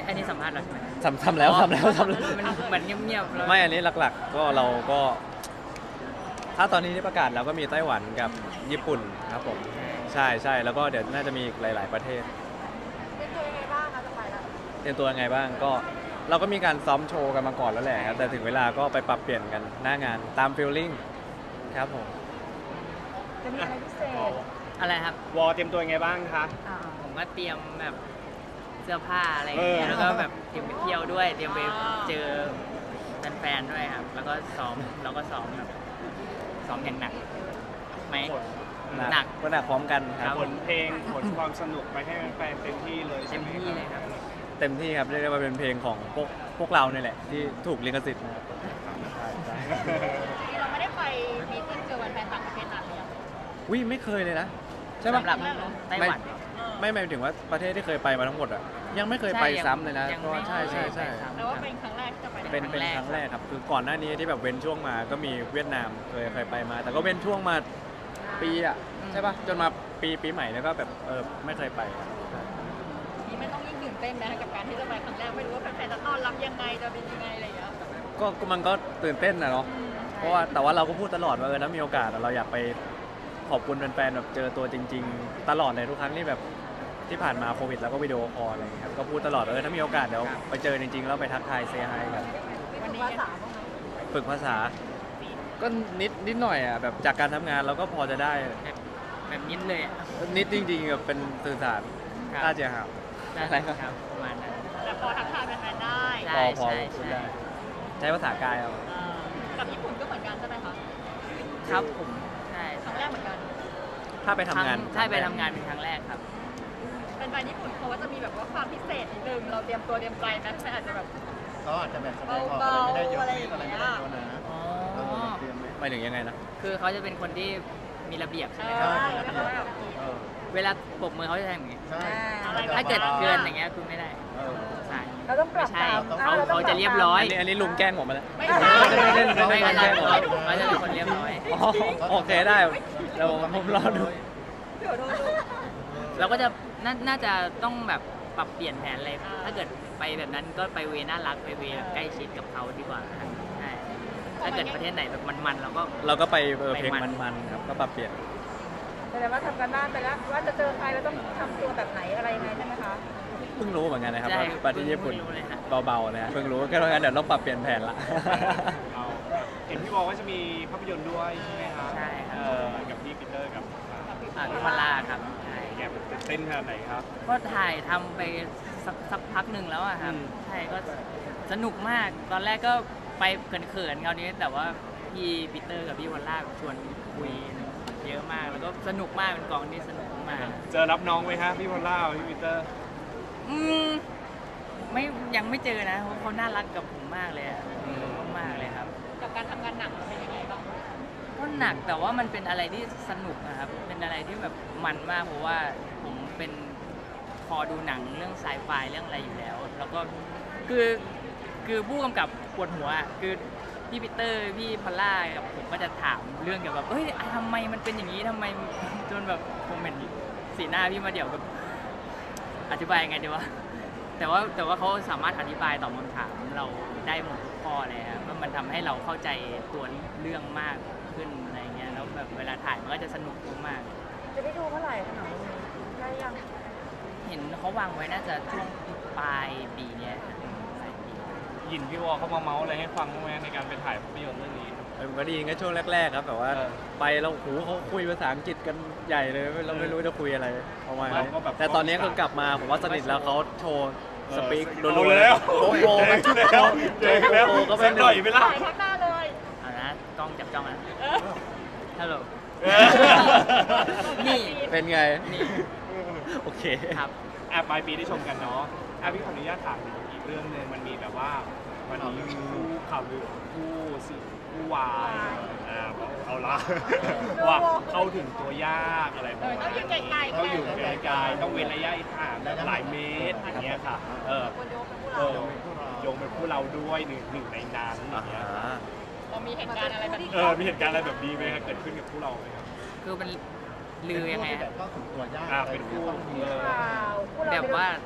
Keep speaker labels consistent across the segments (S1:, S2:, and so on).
S1: อันนี้สัมภาษณ์เราใช่ไหม
S2: ทำแล้ว
S1: มันเหมือนเงียบๆแล้ว
S2: ไม่อันนี้หลักๆก็เราก็ ถ้าตอนนี้ที่ประกาศเราก็มีไต้หวันกับญี่ปุ่นครับผมใช่แล้วก็เดี๋ยวน่าจะมีอีกหลาย ๆประเทศ
S3: เป็นตัวยังไงบ้างคะจะไปแล้ว
S2: เตรียมตัวยังไงบ้างก็เราก็มีการซ้อมโชว์กันมาก่อนแล้วแหละครับแต่ถึงเวลาก็ไปปรับเปลี่ยนกันหน้างานตามฟีลลิ่งครับผม
S3: จะมีอะไรพิเศษ
S1: อะไรครับ
S4: วอเตรียมตัวยังไงบ้างคะ
S1: ผมก็เตรียมแบบเสื้อผ้าอะไรอย่างเงี้ยแล้วก็แบบเตรียมไปเที่ยวด้วยเตรียมไปเจอแฟนๆด้วยครับแล้วก็ซ้อมแบบซ้อมอย่างหนักไหมหนัก
S2: ก็หนักพร้อมกันค
S1: ครั
S2: รับ
S1: บ
S4: ผลเพลงผลความสนุกไปให้แฟนๆเต็มที่เลย
S1: เต็
S4: ใช่
S1: ม
S4: ไหม
S1: ที่เลยครับ
S2: เต็มที่ครับเรียกได้ว่าเป็นเพลงของพวกเราเนี่ยแหละที่ถูกลิขสิทธิ์นะครับใช่
S3: เราไม่ได้ไปมีติ้งเจอแฟนต่างประเทศนานเลยอะ
S2: วิไม่เคยเลยนะใช่ปะ
S1: สำหรับไต้หวัน
S2: ไม่หมายถึงว่าประเทศที่เคยไปมาทั้งหมดอ่ะยังไม่เคยไปซ้ำเลยนะ
S1: ยัง
S2: ก็
S1: ไม่
S2: ใช่
S1: ไปซ้ำ
S3: แต่ว่าเป็นครั้งแรกที่จะไป
S2: เป็นครั้งแรกครับคือก่อนหน้านี้ที่แบบเว้นช่วงมาก็มีเวียดนามเคยไปมา แต่ก็เว้นช่วงมาปีอ่ะใช่ปะจนมาปีใหม่แล้วก็แบบไม่เคยไปครับ
S3: นี่ไม่ต้องยิ่งตื่นเต้นนะกับการที่จะไปครั้งแรกไม่รู้ว่าแฟนๆจะต้อนรับยังไงจะเป็นยังไงอะไรอย่างเงี้ย
S2: ก็มันก็ตื่นเต้นนะเนาะเพราะว่าแต่ว่าเราก็พูดตลอดว่าถ้ามีโอกาสเราอยากไปขอบคุณแฟนๆแบบเจอตัวจริง ๆ ตลอดเลยทุกครั้งที่แบบที่ผ่านมาโควิดแล้วก็วิดีโอคอลอะไรอย่างเงี้ยครับก็พูดตลอดถ้ามีโอกาสเดี๋ยวไปเจอจริงๆแล้วไปทักทายเซฮายกัน
S3: วันนี้ภาษาบ้างไหม
S2: ฝึกภาษา ก็นิดหน่อยอ่ะแบบจากการทำงานเราก็พอจะได้
S1: แบบนิดเลยอะ
S2: นิดจริงๆแบบเป็นสื่อสาร
S1: ครับ
S2: น่าจะหา อะไรครับ
S1: ครับประมาณนั้น
S3: แต่พอทักทายแฟนๆได้
S1: ใช่
S2: พอพูดได้ใช้ภาษากายเอา
S3: กับญี่ปุ่นก็เหมือนกันใช่ไหมคะ
S1: ครับผมใช่
S3: ครั้งแรกเหมือนกัน
S2: ถ้าไปทำงาน
S1: ใช่ไปทำงานเป็นครั้งแรกครับ
S3: เป็นแฟนญี่ปุ่นเขาว่าจะมีแบบว่าความพิเศษนิดนึงเราเตรียมตัวเตรียมใจไหมแฟนอาจจะแบบ
S5: ก็อาจจะแบบแสดงออกอะไรไม่ได้เยอะนิดอะไรไม่ได้เยอะนะ
S1: อ๋อ
S5: เตรียมไหม
S2: หมายถึงยังไงนะ
S1: คือเขาจะเป็นคนที่มีระเบียบใช่ไหมค
S3: ใช่
S1: รับ
S3: แล้วก็แบบ
S5: เออ
S1: เวลาปรบมือเขาจะทำอย่างนี้
S5: ใช่
S1: ถ้าเกิดเกินอย่างเงี้ยคุณไม่ได้
S5: เออ
S1: ใช่
S3: เราต้องปรับ
S1: ไม่ใช่
S3: ตาม
S1: เขาจะเรียบร้อย
S2: อันนี้ลุงแกล้งผมมาแล้ว
S3: ไม่ใช่
S1: ไม่กัน
S2: แก้หรอ
S1: เขาจะเป็นคนเรียบร้อย
S2: อ๋อโอเคได้เดี๋ยวผมรอดู
S3: เดี๋ยวโทษลูก
S1: เราก็จะน่าจะต้องแบบปรับเปลี่ยนแผนอะไรถ้าเกิดไปแบบนั้นก็ไปเวน่ารักไปเวแบบใกล้ชิดกับเขาดีกว่าครับใช่ถ้าเกิดประเทศไหนแบบมันๆเราก็
S2: ไปเพลงมันๆครับก็ปรับเปลี่ยน
S3: แสดงว่าทำกันบ้านไปแล้วว่าจะเจอใครเราต้องทำตัวแบบไหนอะไรยังไงใช่ไหมคะ
S2: เพิ่งรู้เหมือนกันนะครับ
S1: ใช่
S2: ว่าประเทศญี่ปุ่น
S1: เพิ่งรู้เลยฮะ
S2: เบาๆนะฮะเพิ่งรู้ก็เพราะงั้นเดี๋ยวต้องปรับเปลี่ยนแผนละ
S4: เอาเห็นพี่บอกว่าจะมีภาพยนตร์ด้วยใช่ไหมคะ
S1: ใช่ครับ
S4: กับพี่ปีเตอร์กับ
S1: พี่พอลล่าครับใช่
S4: แกตื่นเต้นขนาดไหนครับ
S1: ก็ถ่ายทำไปสักพักหนึ่งแล้วอะครับ
S4: อืม
S1: ใช่ก็สนุกมากตอนแรกก็ไปเขินๆคราวนี้แต่ว่าพี่ปีเตอร์กับพี่วอลล่าชวนคุยเยอะมากแล้วก็สนุกมากเป็นกองที่สนุกมาก
S4: เจอรับน้องไหมฮะพี่พอลล่าพี่ปีเตอร์
S1: อืมไม่ยังไม่เจอนะเพราะเขาน่ารักกับผมมากเลยอะมากเลยครับ
S3: กับการทำงานหนักมันเป็นยังไงบ้าง
S1: ก็หนักแต่ว่ามันเป็นอะไรที่สนุกนะครับเป็นอะไรที่แบบมันมากเพราะว่าผมเป็นพอดูหนังเรื่องไซไฟเรื่องอะไรอยู่แล้ว แล้วก็คือผู้กำกับปวดหัวอะคือพี่ปีเตอร์พี่พอลล่ากับผมก็จะถามเรื่องเกี่ยวกับเฮ้ยทำไมมันเป็นอย่างนี้ทำไมจนแบบผมเห็นสีหน้าพี่มาเดี่ยวกับอธิบายยังไงดีวะแต่ว่าเขาสามารถอธิบายตอบคำถามเราได้หมดทุกข้อเลยครับว่ามันทำให้เราเข้าใจตัวเรื่องมากขึ้นอะไรเงี้ยแล้วแบบเวลาถ่ายมันก็จะสนุกมาก
S3: จะได้ดูเมื่อไหร่คะหนังได้ยัง
S1: ๆเห็นเขาวางไว้น่าจะช่วงปลายปีเนี้ยครับปลายปี
S4: ยินพี่วอเขามาเมาส์อะไรให้ฟังบ้างไหมในการไปถ่ายภาพยนตร์เรื่องนี้
S2: มันก็ดีก็ช่วงแรกๆครับแบบว่า
S4: เออ
S2: ไปเราโหเขาคุยภาษาอังกฤษกันใหญ่เลยเราไม่รู้จะคุยอะไรประมาณ
S4: เรา
S2: นี้
S4: ก็แบบ
S2: แต่ตอนนี้ก็กลับมาผมว่าสนิทแล้วเขาโชว์สปีก
S4: เอา
S2: รัวๆ
S4: แล้ว
S2: โอ้โห
S4: เจอแล้ว
S2: ก็
S4: สั
S2: เป็น
S4: กหน่อยไหมล่ะ
S3: ถ่ายทักหน้าเลย
S1: เอานะกล้องจับจ้องนะฮัลโหล
S4: เออ
S1: นี่
S2: เป็นไง
S1: นี่
S2: โอเค
S1: ครับ
S4: ปลายปีได้ชมกันเนาะพี่ขออนุญาตถามอีกเรื่องหนึงมันมีแบบว่ามันมีคู่ข่าวลือคู่วายเอาละว่าเข้าถึงตัวยากอะไรประมาณ
S3: ต้องอยู่
S4: นั้น
S3: ไกลๆ
S4: ต้องอยู่ไกลๆต้องเว้นระยะห่างแบบหลายเมตรอย่างเงี้ยค่ะ
S3: คนโยกเป็นผู้
S4: เอ
S3: เรา
S4: อโยงเป็นผู้เราด้วยหนึ่งในนั้นอย่างเงี้ย
S3: เรามีเหตุการณ์อะไรแบบนี้
S4: มีเหตุการณ์อะไรแบบนี้ไหมครับเกิดขึ้นกับผู้เราไหมครับ
S1: คือมันลือยังไง
S5: เป็น
S1: อะ
S5: ผู้ที่แบบเข้าถึงตัวยาก
S4: เป็นคู่
S3: ข่าวผู้เรา
S1: แบบว่า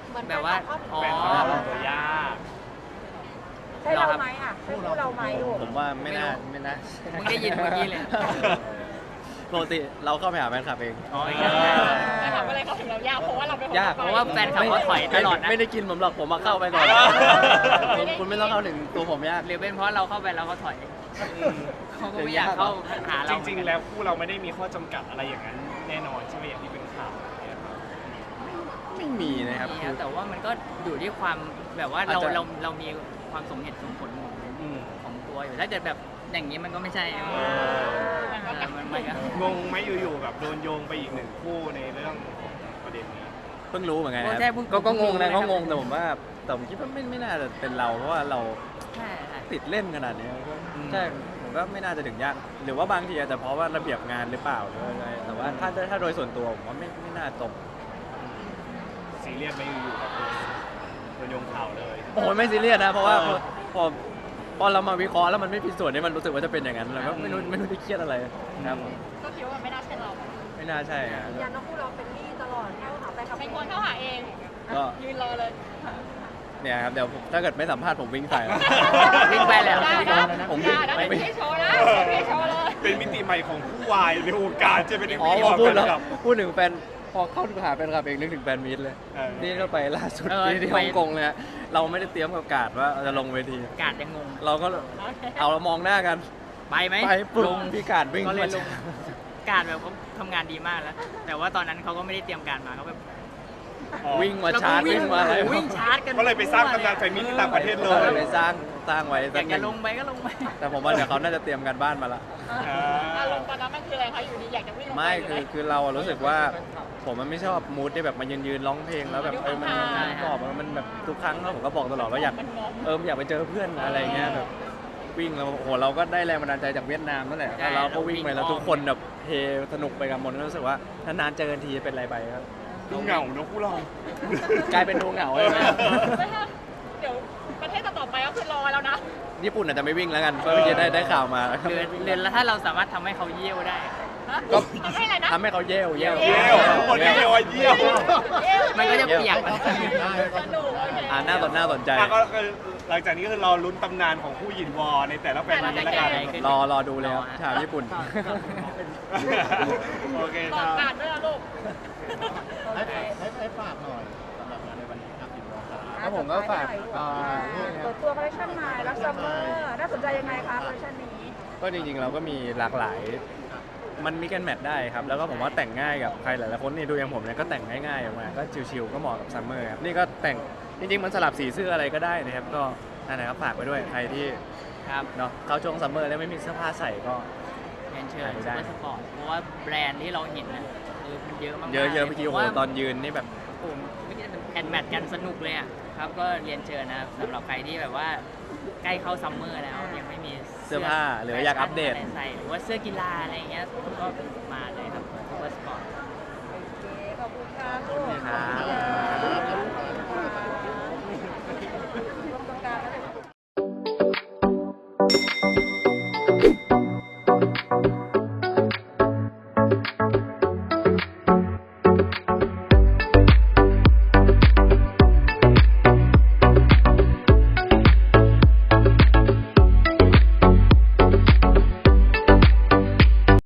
S3: เหมือน
S1: แบบว่าอ๋อ
S4: แฟนคลับตัวยาก
S3: ใช่เราไหมอ่ะใช่คู่เราไหมลูก
S2: ผมว่าไม่น่า
S1: มึงได้ยินเมื่อกี้เลย
S2: ปกติเราเข้าไปหาแฟนคลับเอง
S1: อ๋อ
S3: แต่ถามอะไรเขาถึงเรายากเพราะว่าเราเป็นคน
S2: ยาก
S1: เพราะว่าแฟนคลับเขาถอยตลอดนะ
S2: ไม่ได้กินผมหรอกผมมาเข้าไปก่อนคุณไม่ต้องเข้าถึงตัวผมยาก
S1: หรือเป็นเพราะเราเข้าไปแล้วเขาถอยเขาก็ไม่อยากเข้าหา
S4: จ
S1: เรา
S4: ริงๆ แล้วคู่เราไม่ได้มีข้อจำกัดอะไรอย่างนั้นแน่นอนใช่ไหมอย่างที่เป็นข่าวเนี่ยครับ
S2: ไม่มีนะครับ
S1: นี่
S2: คือ
S1: แต่ว่ามันก็อยู่ที่ความแบบว่าเรา
S2: อาจจะ
S1: เรามีความสมเหตุสมผลของ
S4: อืม
S1: ของตัวอยู่ถ้าเกิดแบบอย่างนี้มันก็ไม่ใช่มันก็
S4: งงไหมอยู่ๆแบบโดนโยงไปอีกหนึ่งคู่ในเรื่องของประเด็นนี้
S2: เพิ่งรู้เหมือนกัน
S1: โอ้
S2: นะ
S1: ใช่เพิ่ง
S2: ก็งงนะ
S1: เพิ่
S2: ก็
S1: งรู้
S2: งงแต่ผมว่าแต่ผมคิดว่าไม่น่าจะเป็นเราเพราะว่าเรา
S1: ใช่ใช่
S2: ติดเล่นขนาดนี้ก็
S4: อืม
S2: ใช่ผมก็ไม่น่าจะถึงยากหรือว่าบางทีอาจจะเพราะว่าระเบียบงานหรือเปล่าหรืออะไรแต่ว่าถ้าโดยส่วนตัวผมว่าไม่น่าตรง
S4: ซีเรียสไหมอยู่ๆแบบโดนโยงข่าวเลย
S2: โอ้โหไม่ซีเรียสนะเพราะว่า
S4: เออ
S2: พอเรามาวิเคราะห์แล้วมันไม่ผิดส่วนนี่มันรู้สึกว่าจะเป็นอย่างนั้นเราก็ไม่รู้จะเครียดอะไรครับผม
S3: ก็คิดว่าไม่น่าใช่เรา
S2: ไม่น่าใช่ครับ
S3: ยันน้องคู่เราเป็นหนี้ตลอดเข้าหาไปเป็นคนเข้าหาเอง
S2: ก็
S3: ยืนรอเลย
S2: เนี่ยครับเดี๋ยวถ้าเกิดไม่สัมภาษณ์ผมวิ่งใส่แล้ว
S1: วิ่งไปแล้ว
S2: ผมวิ่ง
S3: นะ
S2: ไป
S3: เดี๋ยวพี่โชว์นะพี่โชว์เลย
S4: เป็นมิติใหม่ของผู้วายในวงการจะเป็น
S2: อ๋อพอพูดแล้ว
S4: กับ
S2: พูดถึงแฟนพอเข้าหาแฟนคลับเองนึกถึงแฟนมีตเลย
S4: เออ
S2: นี่ก็ไปล่าสุด
S1: เออ
S2: ที่
S1: ไป
S2: ฮ่องกงเลยฮะเราไม่ได้เตรียมกับการดว่าจะลงเวที
S1: กาดยังงง
S2: เราก็เอาเรามองหน้ากัน
S1: ไปไหม
S2: ไปปุ๊บ
S1: ลง
S2: พี่การดวิ่ง
S1: ก็เลยลง
S2: มา
S1: การแบบเขาทำงานดีมากแล้ว แต่ว่าตอนนั้นเขาก็ไม่ได้เตรียมการมาเขาแบบ
S2: วิ่งมาชาร์จวิ่งมาอะไร
S1: วิ่งชาร์จกัน
S4: ก็เลยไปสร้างตำนานแฟนมิตรที่ต่างประเทศเล
S2: เออย ไปสร้างไว้
S1: อ
S2: สั
S1: ยาก ก
S2: ห
S1: จะ
S2: นึ่ง
S1: ลงไปก็ลงไป
S2: แต่ผมว่าเดี๋ยวเขาน่าจะเตรียมกันบ้านมาละ
S3: อารมณ์ตอนนั้นมันคืออะไรคะอยู่ดีอยากจะวิ่งลงไป
S2: ไม่คือเราอะรู้สึกว่าผมมันไม่ชอบมูดที่แบบมายืนร้องเพลงแล้วแบบมันกรอบมันแบบทุกครั้งแล้วผมก็บอกตลอดว่าอยากอยากไปเจอเพื่อนอะไรเงี้ยแบบวิ่งแล้วโอ้โหเราก็ได้แรงบันดาลใจจากเวียดนามนั่นแหละ
S1: ใช่
S2: แล้วเราก็วิ่งไปแล้ว
S1: เราวิ่ง
S2: ทุกคนแบบเฮสนุกไปกับหมดก็รู้สึกว่านานๆเจอกันทีเป็นไรไปครับ
S4: ดูเหงาเนอะคู่เรา
S2: กลายเป็นดูเหงาเลยนะ
S3: เดี๋ยวประเทศต่อไปก็คือรอแล้วนะ
S2: ญี่ปุ่นอาจจะไม่วิ่งแล้วกันเพราะเมื่อกี้ได้ข่าวมา
S1: เรือนแล้วถ้าเราสามารถทำให้เขาเยี่ยวได้
S2: ก็
S3: ให้อะไรนะ
S2: ทำให้เขาเย่ว
S4: เยี่ยวคนเยี่ยวเยี่ยว
S1: มันก็จะเปียกมัน
S3: สนุกโอเค
S2: น่าสนใจ
S4: ก็หลังจากนี้ก็คือรอลุ้นตำนานของผู้หยินวอในแต่ละแฟนมิตรละกัน
S2: รอดูเลยครับชาวญี่ปุ่น
S4: โอเค
S3: บ
S4: ค
S3: อ
S4: รั
S3: ก
S4: บ
S3: การด้วยนะลูก
S5: ให้ฝากหน่อยสำหรับงานในวันนี้ครับ10 โมงครับ
S2: แล้วผมก็ฝาก
S6: เปิดตัวคอลเลคชันใหม่รักซัมเมอร์น่าสนใจยังไงคะคอลเลคชันนี้
S2: ก็จริงๆเราก็มีหลากหลาย มันมีกันแมทได้ครับ แล้วก็ผมว่าแต่งง่ายกับใครหลายๆคนนี่ดูอย่างผมเนี่ยก็แต่งง่ายๆออกมา ก็ชิวๆก็เหมาะกับซัมเมอร์ครับ นี่ก็แต่งจริงๆมันสลับสีเสื้ออะไรก็ได้นะครับ ก็นั่นนะครับฝากไปด้วยใครที่
S1: ครับ
S2: เนาะเข้าช่วงซัมเมอร์แล้วไม่มีเสื้อผ้าใส่ก็
S1: เรียนเชิญ
S2: ได้
S1: ซูเปอร์สปอร์ตเพราะว่าแบรนด์ที่เราเห็นนะมันเยอะมากๆ
S2: เยอะๆเมื่อกี้โอ้โห
S1: ผมว่า
S2: ตอนยืนนี่แบบ
S1: ผมไม่คิดว่าแอนแมทกันสนุกเลยอ่ะครับก็เรียนเชิญนะครับสำหรับใครที่แบบว่าใกล้เข้าซัมเมอร์แล้วยังไม่มี
S2: เสื้อผ้าหรืออยากอัปเดต
S1: ะไรใส่หรือว่าเสื้อกีฬาอะไรอย่างเงี้ยก็มาเลยครับซูเปอร์สปอร์ต
S6: โอเค ขอบคุณค่ะ
S2: ครับ